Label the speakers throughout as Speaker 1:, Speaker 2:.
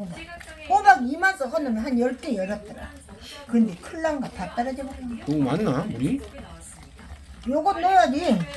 Speaker 1: 호박. 호박 2만서 허으면 한 10개 열었더라. 근데 큰일 난가 다 떨어져 버렸네.
Speaker 2: 너무 많나 우리?
Speaker 1: 요거 넣어야지.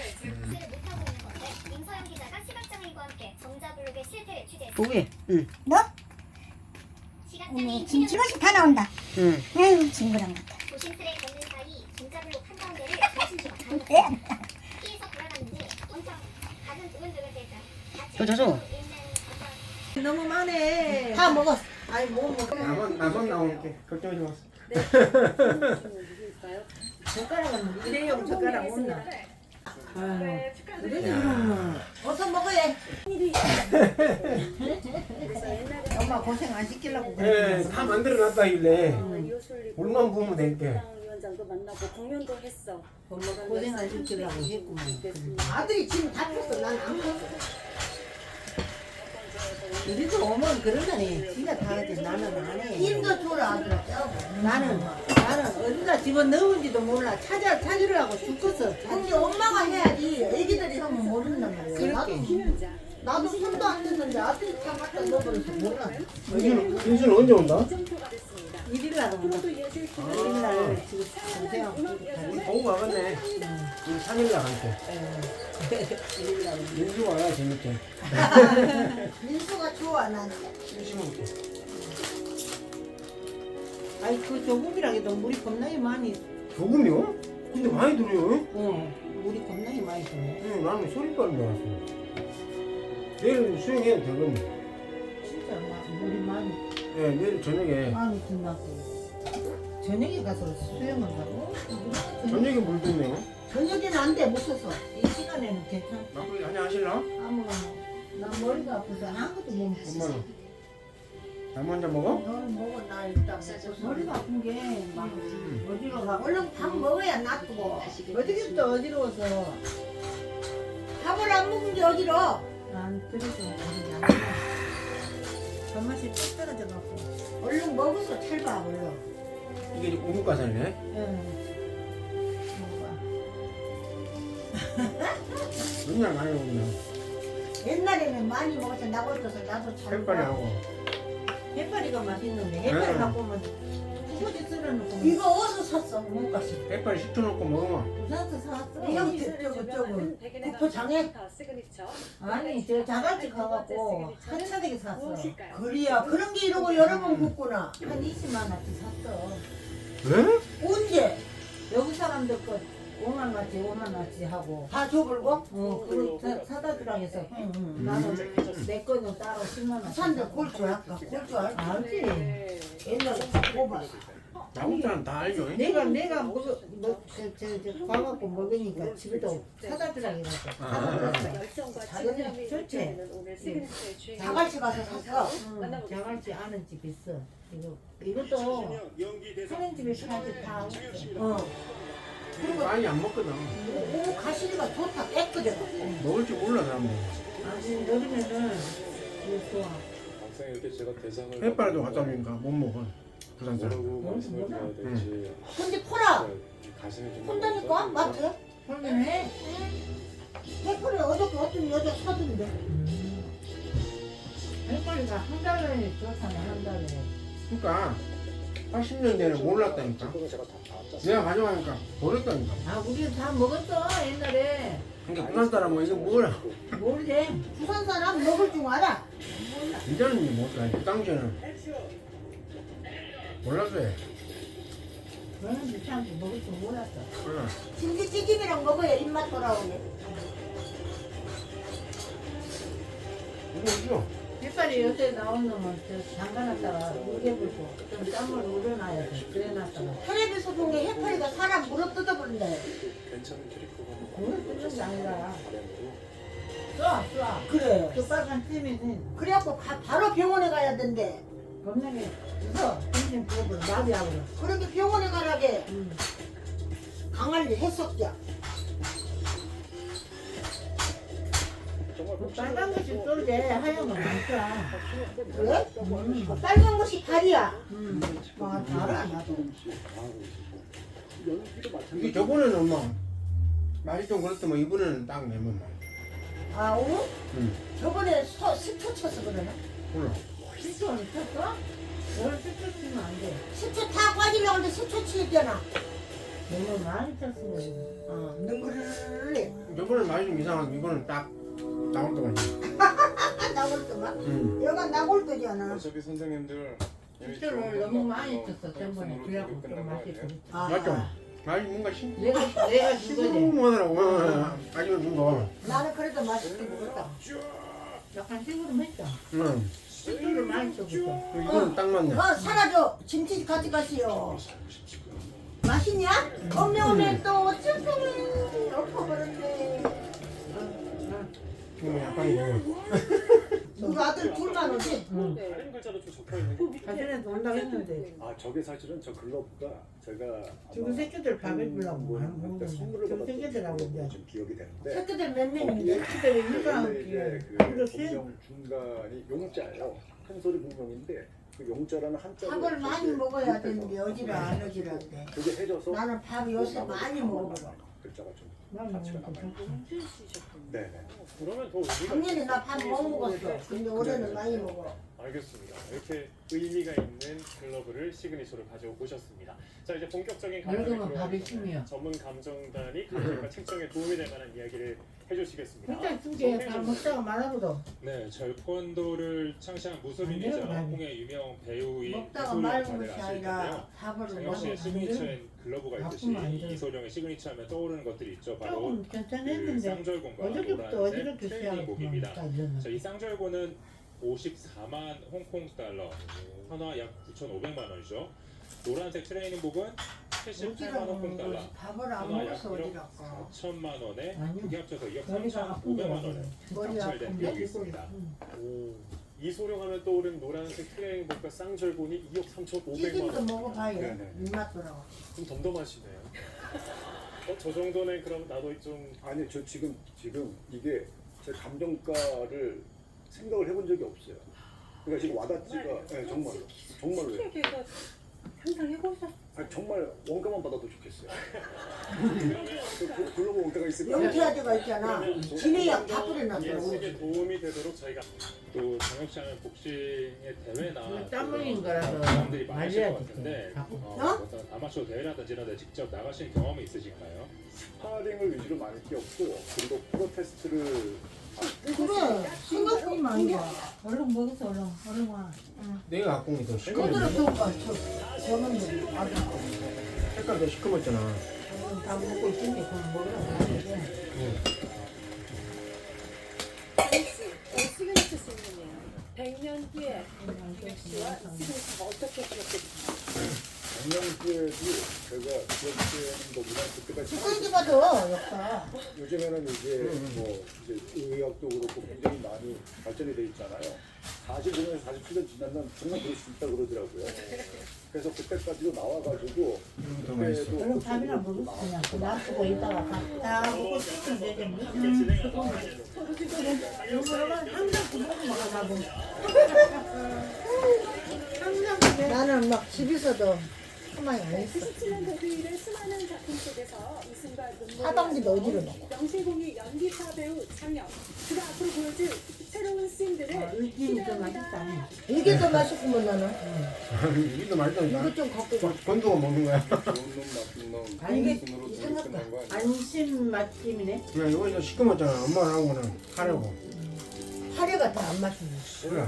Speaker 3: 임서영 기자가 시각장애인과 함께 정자블록의 실태를 취재했습니다.
Speaker 4: 보게. 응.
Speaker 5: 너?
Speaker 3: 시각장애인
Speaker 5: 김치맛이 다 나온다.
Speaker 4: 응.
Speaker 5: 아유, 징그랑 같아.
Speaker 3: 조심스레 걷는 사이 정자블록 한가운데를 조심스레 가는
Speaker 5: 예?
Speaker 3: 피해서 돌아갔는데 엄청 가슴 두근두근 대자
Speaker 4: 저.
Speaker 6: 너무 많네.
Speaker 1: 다 먹었어.
Speaker 6: 아니 뭐 먹어.
Speaker 2: 나만 나올게. 걱정하지 마.
Speaker 6: 젓가락은 일회용 젓가락 없나?
Speaker 1: 어서 먹어야.
Speaker 6: 엄마 고생 안 시키려고
Speaker 2: 예,
Speaker 6: 그래.
Speaker 2: 다 만들어놨다길래 물만
Speaker 7: 물만
Speaker 2: 부으면 될게.
Speaker 7: 위원장도 만나고 공연도 했어.
Speaker 6: 고생 안 시키려고 했구만.
Speaker 1: 아들이 지금 다 폈어. 난 안 폈어.
Speaker 6: 우리도 오면 그러더니 지가 다 하지 나는 안 해.
Speaker 1: 힘도 줘라 아들아.
Speaker 6: 나는 어디다 집어 넣은지도 몰라. 찾으려고 죽겠어.
Speaker 1: 근데 엄마가 해야지. 애기들이 하면 모른단 말이야. 나도 손도 안 댔는데 아들이 다 갖다 넣어버려서 몰라.
Speaker 2: 민수는 언제 온다?
Speaker 6: 일일날 온다. 일일날 지금 고생하고
Speaker 2: 보고 가겠네. 우리 3일 나갈게. 민수 와야 재밌게.
Speaker 1: 민수가 좋아 나는.
Speaker 2: 심심할게.
Speaker 6: 아이 그 조금이라 해도 물이 겁나게 많이.
Speaker 2: 조금이요? 근데 많이 들어요.
Speaker 6: 물이 겁나게 많이 드네.
Speaker 2: 응, 나는 소리까지 나왔어. 내일 수영해도 되겠네.
Speaker 6: 진짜 물이 많이
Speaker 2: 예, 내일 저녁에.
Speaker 6: 많이 든다고. 저녁에 가서 수영을 하고.
Speaker 2: 저녁에 물 붓네요.
Speaker 1: 저녁에는 안 돼. 못 써서.
Speaker 6: 이 시간에는 괜찮아.
Speaker 2: 막걸리 한잔 하실라?
Speaker 6: 아무거나. 난 머리가 아파서 아무것도 못 먹어.
Speaker 2: 엄마는? 나 먼저 먹어?
Speaker 1: 너는 먹어 나 일단 먹고.
Speaker 6: 머리가 아픈 게 막 어지러워.
Speaker 1: 얼른 밥 먹어야 놔두고.
Speaker 6: 어디부터 어지러워서
Speaker 1: 밥을 안 먹은 게 어지러.
Speaker 6: 난 그래서 머리 안 밥맛이 뚝 떨어져갖고.
Speaker 1: 얼른 먹어서 찰봐 얼른.
Speaker 2: 이게 이제 우뭇가사리네. 맨날 많이 먹냐.
Speaker 1: 옛날에는 많이 먹어서 나고있어서 나도 잘
Speaker 2: 햇빨이 하고.
Speaker 6: 해파리가 맛있는데 해파리
Speaker 2: 응.
Speaker 6: 갖고 오면 두고지 썰어놓고
Speaker 1: 이거 어디서 샀어 못 갔어.
Speaker 2: 햇빨 식초 넣고 먹으면.
Speaker 6: 부산에서 사왔어.
Speaker 1: 이형 저거 구포장에
Speaker 6: 아니 저 자갈치 가갖고 한사대기 샀어.
Speaker 1: 그래야 그런 게 이러고 여러 번 굽구나.
Speaker 6: 한 20만 원치 샀어.
Speaker 2: 왜?
Speaker 1: 언제?
Speaker 6: 여기 사람들 거 5만 원치 5만 원치 하고.
Speaker 1: 다 줘불고?
Speaker 6: 그 사다 주라 해서 나는 내 거는 따로 10만 원.
Speaker 1: 부산들 골줄 할까? 골줄 알까?
Speaker 6: 알지.
Speaker 1: 옛날에 뽑았어.
Speaker 2: 나국자는 다 알죠.
Speaker 6: 내가 먹어 가갖고 먹으니까 집에도 사다 주라 해서 사다 줬어.
Speaker 7: 잘했네.
Speaker 6: 좋지.
Speaker 1: 자갈치 가서 샀어.
Speaker 6: 자갈치 아는 집 있어. 이것도 사는 집에 사지 다 없어.
Speaker 1: 그리고
Speaker 2: 많이 안 먹거든.
Speaker 1: 오 가시리가 좋다 깨끗해.
Speaker 2: 먹을 줄 몰라 사람들.
Speaker 6: 아니 여름에는 이거 좋아.
Speaker 8: 항상 이렇게 제가 대상을
Speaker 2: 햇빨도 갖다 주니까 못 먹어. 부산 사람.
Speaker 8: 뭐라고 말씀을 드려야 될지
Speaker 1: 근데 포라
Speaker 8: 가슴이 좀
Speaker 1: 혼다니까 마트.
Speaker 6: 그러네.
Speaker 1: 해풀에 어저께 어떤 여자 사던데.
Speaker 6: 햇벌이가 한 달에 좋다네 한 달에.
Speaker 2: 그러니까 80년대는 몰랐다니까. 내가 가져가니까 버렸다니까.
Speaker 6: 아 우리 다 먹었어 옛날에.
Speaker 2: 그러니까 부산 사람은 이거 뭐라.
Speaker 6: 모르지.
Speaker 1: 부산 사람 먹을 줄 알아.
Speaker 2: 이제는 못 가. 그 당시에는 몰랐어요.
Speaker 6: 너는 비싼 먹을 줄 몰랐어.
Speaker 2: 그래.
Speaker 1: 김치찌개랑 먹어야 입맛 돌아오네.
Speaker 2: 이거 있어.
Speaker 6: 햇살이 요새 나온 놈은 저 담가놨다가 우겨불고 좀 땀을 우려놔야 돼. 그래놨다가.
Speaker 1: 텔레비에서 본 게 해파리가 사람 물어 뜯어버린다.
Speaker 8: 괜찮은 캐릭터가
Speaker 6: 그걸 뜯는 게 아니라 쏴.
Speaker 1: 그래.
Speaker 6: 그 빨간 찜이는
Speaker 1: 그래갖고 바로 병원에 가야 된대.
Speaker 6: 겁나게 웃어. 정신 부어버려. 나비하고.
Speaker 1: 그렇게 병원에 가라게 강할리 했었자.
Speaker 6: 그 빨간 것이 쏠지 하얀 건 많다.
Speaker 1: 그래? 빨간 것이 달이야.
Speaker 6: 와, 달아 나도.
Speaker 2: 이게 저번에는 엄마 맛이 좀 그렇더만 이번에는 딱 내면 맛.
Speaker 1: 아, 오?
Speaker 2: 응.
Speaker 1: 저번에 식초 쳐서 그러나?
Speaker 2: 몰라.
Speaker 6: 시초는 쳤어? 오늘 시초 치면 안 돼.
Speaker 1: 시초 다 빠지려고 하는데 시초 치겠잖아.
Speaker 6: 너무 많이 쳤으면.
Speaker 1: 능그르르.
Speaker 2: 저번에 많이 좀 이상하고 이거는 딱 나올 때가 있네.
Speaker 1: 나골도만.
Speaker 2: 응.
Speaker 1: 여가 나골도잖아.
Speaker 8: 어차피 선생님들 이미
Speaker 6: 시초를
Speaker 8: 좋은
Speaker 6: 너무
Speaker 8: 건
Speaker 6: 많이
Speaker 8: 나쁜
Speaker 6: 쳤어.
Speaker 8: 거
Speaker 6: 전번에
Speaker 8: 손으로
Speaker 6: 그래갖고
Speaker 8: 끝난
Speaker 6: 좀
Speaker 8: 거
Speaker 6: 맛이
Speaker 8: 아니에요?
Speaker 6: 그렇다.
Speaker 2: 맞죠? 많이 뭔가
Speaker 6: 내가 준 거지.
Speaker 2: 시무하더라고. 아직은 준 거.
Speaker 1: 나는 그래도 맛있게 먹었다.
Speaker 6: 약간 시무름했죠.
Speaker 2: 응.
Speaker 6: 시초를 많이 쳤어.
Speaker 2: 이거는 딱 맞네.
Speaker 1: 사라져. 김치 같이 가시오. 맛있냐? 엄매 또 쭈꾸미 엎어버렸네.
Speaker 2: 지금 약간 이거.
Speaker 1: 우리 아들 둘만 오지?
Speaker 8: 다른 글자도 좀 적혀 있는 게.
Speaker 6: 사실은 온다고 했는데.
Speaker 4: 아 저게 사실은 저 글러브가 제가
Speaker 6: 지금 새끼들 밥을 주려고
Speaker 4: 뭐
Speaker 6: 하는 거는
Speaker 4: 그때 선물을
Speaker 6: 지금
Speaker 4: 받았던
Speaker 6: 새끼들하고
Speaker 4: 걸로
Speaker 6: 이제
Speaker 4: 좀 기억이 되는데
Speaker 1: 새끼들 몇
Speaker 4: 거기에
Speaker 1: 명인데?
Speaker 6: 새끼들이
Speaker 4: 원래
Speaker 6: 유사한
Speaker 4: 이제
Speaker 6: 기회.
Speaker 4: 그
Speaker 6: 그리고 수익
Speaker 4: 공명 중간이 용자예요. 큰 소리 공명인데 그 용자라는 한자를
Speaker 1: 밥을 많이 먹어야 되는데 어지러 안 어지러운데.
Speaker 4: 그게 해져서
Speaker 1: 나는 밥 요새 많이 먹어버려.
Speaker 4: 글자가 좀
Speaker 6: 나는
Speaker 4: 가치가
Speaker 6: 뭐
Speaker 4: 남아요. 네네.
Speaker 8: 그러면 더 의미가
Speaker 1: 작년에 나 밥 못 먹었어. 근데 올해는 많이 먹어.
Speaker 9: 알겠습니다. 이렇게 의미가 있는 글러브를 시그니처로 가져오셨습니다. 자, 이제 본격적인 감정에
Speaker 6: 여름은 밥이
Speaker 9: 들어가기
Speaker 6: 심해요.
Speaker 9: 전에 전문 감정단이 감정과 책정에 도움이 될 만한 이야기를 해주시겠습니다.
Speaker 6: 일단 두개다 먹다가 말아보도.
Speaker 9: 네, 절권도를 창시한 무술인이자
Speaker 6: 안 돼요, 밥이.
Speaker 9: 홍의 유명 배우인
Speaker 1: 먹다가
Speaker 9: 이소룡
Speaker 1: 말은
Speaker 9: 다들
Speaker 1: 것이
Speaker 9: 아실 텐데요.
Speaker 1: 아니라 밥을
Speaker 9: 장혁 씨의
Speaker 1: 먹으면
Speaker 9: 시그니처인 글러브가 있듯이
Speaker 6: 바쁘면 안 돼요.
Speaker 9: 이소룡의 시그니처 하면 떠오르는 것들이 있죠. 바로
Speaker 6: 조금
Speaker 9: 그
Speaker 6: 괜찮았는데
Speaker 9: 쌍절곤과
Speaker 6: 어저께부터
Speaker 9: 노란색
Speaker 6: 어지럽게
Speaker 9: 트레이닝복입니다.
Speaker 6: 시작했구만.
Speaker 9: 자, 이 쌍절곤은 54만 홍콩 달러, 현화 약 9,500만 원이죠. 노란색 트레이닝복은 78만 홍콩 달러,
Speaker 1: 어지러운 밥을 안
Speaker 9: 현화 약
Speaker 1: 먹어서
Speaker 9: 1억
Speaker 1: 어지럽고.
Speaker 9: 4천만 원에
Speaker 6: 아니요.
Speaker 9: 두 개 합쳐서 2억
Speaker 6: 머리가 아픈
Speaker 9: 3,500만
Speaker 6: 거야.
Speaker 9: 원에
Speaker 1: 머리
Speaker 9: 낙찰된
Speaker 1: 아픈데?
Speaker 9: 비용이 있습니다. 오, 이소룡 하면 떠오르는 노란색 트레이닝복과 쌍절곤이 2억 3,500만
Speaker 1: 찌짐도
Speaker 9: 원.
Speaker 1: 먹어봐요.
Speaker 4: 네네.
Speaker 1: 입맛 돌아와.
Speaker 9: 좀 덤덤하시네요. 저 정도는 그럼 나도 좀
Speaker 4: 아니 저 지금 이게 제 감정가를 생각을 해본 적이 없어요. 그러니까 지금 와닿지가 네, 정말로요.
Speaker 7: 얘가 항상 해보셨어.
Speaker 4: 아니, 정말 원가만 받아도 좋겠어요. 그 글로벌 원가가 있을까?
Speaker 1: 영태아저가 있잖아. 지네약 다 뿌려놨어.
Speaker 9: 예식에 도움이 되도록 저희가 또 장혁 씨 하면 복싱의 대회나
Speaker 6: 땀 흘린 거라서
Speaker 9: 사람들이 많으실 것
Speaker 6: 말려야지.
Speaker 9: 같은데
Speaker 6: 자꾸.
Speaker 9: 어떤 아마추어 대회라든지 이런 데 직접 나가신 경험이 있으실까요?
Speaker 4: 스파링을 위주로 많이 뛰었고 그리고 프로테스트를
Speaker 1: 그래. 생각보다 안 돼.
Speaker 6: 얼른 먹어서 얼른 와.
Speaker 2: 내가 갖고 온 게 더
Speaker 1: 거들어
Speaker 2: 시커멓네.
Speaker 1: 펴봐. 저놈들 아들 거.
Speaker 2: 색깔 더 시커멓잖아.
Speaker 6: 다 먹고 있으니까 그건 먹으라고.
Speaker 7: 시그니처 질문이에요. 100년 후에 김혁 씨와 시그니처가 어떻게 기억될까요?
Speaker 4: 작년에도 제가 기억되는 것보다 그때가
Speaker 1: 축구인지 봐도 역사.
Speaker 4: 요즘에는 이제 뭐 이제 의학도 그렇고 굉장히 많이 발전이 돼 있잖아요. 45년, 47년 지나면 정말 그럴 수 있다 그러더라고요. 그래서 그때까지도 나와가지고
Speaker 2: 더 맛있어.
Speaker 4: 그때도
Speaker 6: 얼른 밥이나 먹어. 그냥 놔두고 있다가 다 먹고 싶으면 되지. 항상 그 먹으면 가고. 항상 그래.
Speaker 1: 나는 막 집에서도 가만히 안 있어.
Speaker 7: 97년 데뷔 수많은 작품 속에서 이승과 눈물을
Speaker 1: 사방지도 어지러워.
Speaker 7: 영실공이 연기파 배우 장혁 그가 앞으로 보여줄 새로운 씬들을
Speaker 6: 일기는 좀 맛있다.
Speaker 1: 이게 더 맛있구먼 나는.
Speaker 2: 이게 맛있다니까.
Speaker 1: 이거 좀 갖고 가.
Speaker 2: 건두가 먹는 거야.
Speaker 8: 좋은 놈 나쁜 놈
Speaker 6: 아니,
Speaker 1: 이게
Speaker 8: 순으로
Speaker 1: 이상하다.
Speaker 8: 끝난 거 아니에요?
Speaker 6: 안심 맛집이네.
Speaker 2: 그냥 이거 이제 시커멓잖아. 엄마랑 하고는 하려고.
Speaker 1: 하려가 다 안 맛있네.
Speaker 2: 그래.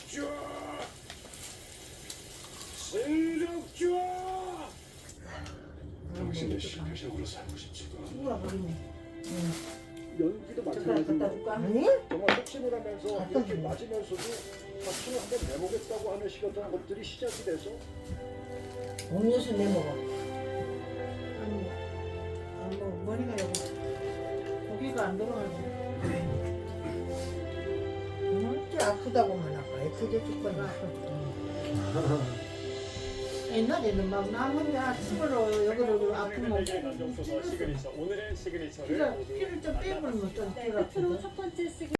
Speaker 8: 당신의 시표적으로 살고 싶지가
Speaker 6: 친구가 버리네.
Speaker 4: 연기도
Speaker 6: 젓가락
Speaker 4: 마찬가지로
Speaker 6: 갖다 줄까?
Speaker 1: 아니?
Speaker 4: 정말 확신을 하면서 이렇게 맞으면서도 확신을 한번 내보겠다고 하는 식이었던 것들이 시작이 돼서
Speaker 1: 음료수 내 먹어.
Speaker 6: 아니, 뭐 머리가 여기 고기가 안 들어가네.
Speaker 1: 진짜 아프다고만 아까 애써줘 줄 거야.
Speaker 6: 옛날에는 막 나 혼자 집으로 여기로 아픈 거
Speaker 9: 의 감정 소서 시그니처 오늘의 시그니처를
Speaker 6: 피를
Speaker 9: 모두
Speaker 6: 좀 빼버리면 좀
Speaker 7: 네, 끝으로
Speaker 6: 찌그러지고.
Speaker 7: 첫 번째